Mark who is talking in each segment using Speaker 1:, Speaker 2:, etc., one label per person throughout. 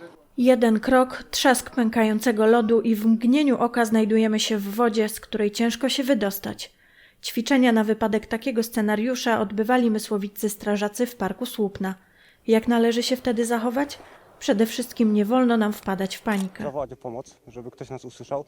Speaker 1: Jeden krok, trzask pękającego lodu i w mgnieniu oka znajdujemy się w wodzie, z której ciężko się wydostać. Ćwiczenia na wypadek takiego scenariusza odbywali mysłowiccy strażacy w parku Słupna. Jak należy się wtedy zachować? Przede wszystkim nie wolno nam wpadać w panikę.
Speaker 2: Zawołać o pomoc, żeby ktoś nas usłyszał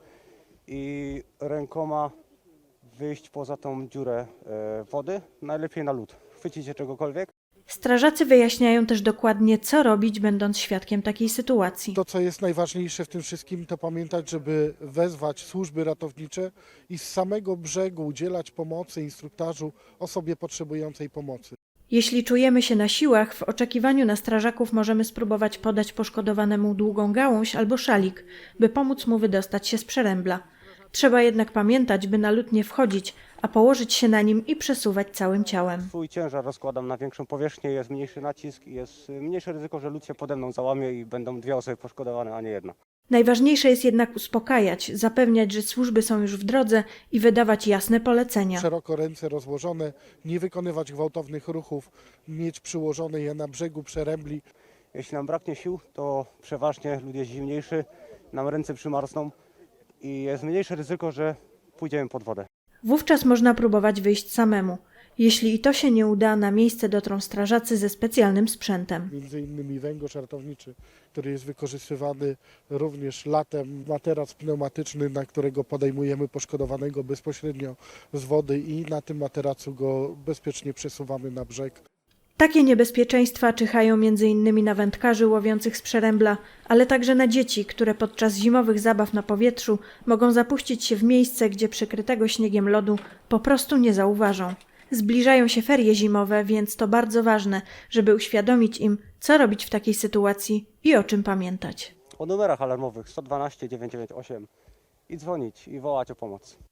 Speaker 2: i rękoma wyjść poza tą dziurę wody, najlepiej na lód. Chwycić się czegokolwiek.
Speaker 1: Strażacy wyjaśniają też dokładnie, co robić, będąc świadkiem takiej sytuacji.
Speaker 3: To, co jest najważniejsze w tym wszystkim, to pamiętać, żeby wezwać służby ratownicze i z samego brzegu udzielać pomocy, instruktażu osobie potrzebującej pomocy.
Speaker 1: Jeśli czujemy się na siłach, w oczekiwaniu na strażaków możemy spróbować podać poszkodowanemu długą gałąź albo szalik, by pomóc mu wydostać się z przerębla. Trzeba jednak pamiętać, by na lód nie wchodzić, a położyć się na nim i przesuwać całym ciałem.
Speaker 2: Swój ciężar rozkładam na większą powierzchnię, jest mniejszy nacisk i jest mniejsze ryzyko, że lód się pode mną załamie i będą dwie osoby poszkodowane, a nie jedna.
Speaker 1: Najważniejsze jest jednak uspokajać, zapewniać, że służby są już w drodze i wydawać jasne polecenia.
Speaker 3: Szeroko ręce rozłożone, nie wykonywać gwałtownych ruchów, mieć przyłożone je na brzegu przerębli.
Speaker 2: Jeśli nam braknie sił, to przeważnie lód jest zimniejszy, nam ręce przymarzną i jest mniejsze ryzyko, że pójdziemy pod wodę.
Speaker 1: Wówczas można próbować wyjść samemu. Jeśli i to się nie uda, na miejsce dotrą strażacy ze specjalnym sprzętem.
Speaker 3: Między innymi węgorz ratowniczy, który jest wykorzystywany również latem, materac pneumatyczny, na którego podejmujemy poszkodowanego bezpośrednio z wody i na tym materacu go bezpiecznie przesuwamy na brzeg.
Speaker 1: Takie niebezpieczeństwa czyhają m.in. na wędkarzy łowiących z przerębla, ale także na dzieci, które podczas zimowych zabaw na powietrzu mogą zapuścić się w miejsce, gdzie przykrytego śniegiem lodu po prostu nie zauważą. Zbliżają się ferie zimowe, więc to bardzo ważne, żeby uświadomić im, co robić w takiej sytuacji i o czym pamiętać.
Speaker 2: O numerach alarmowych 112 998 i dzwonić i wołać o pomoc.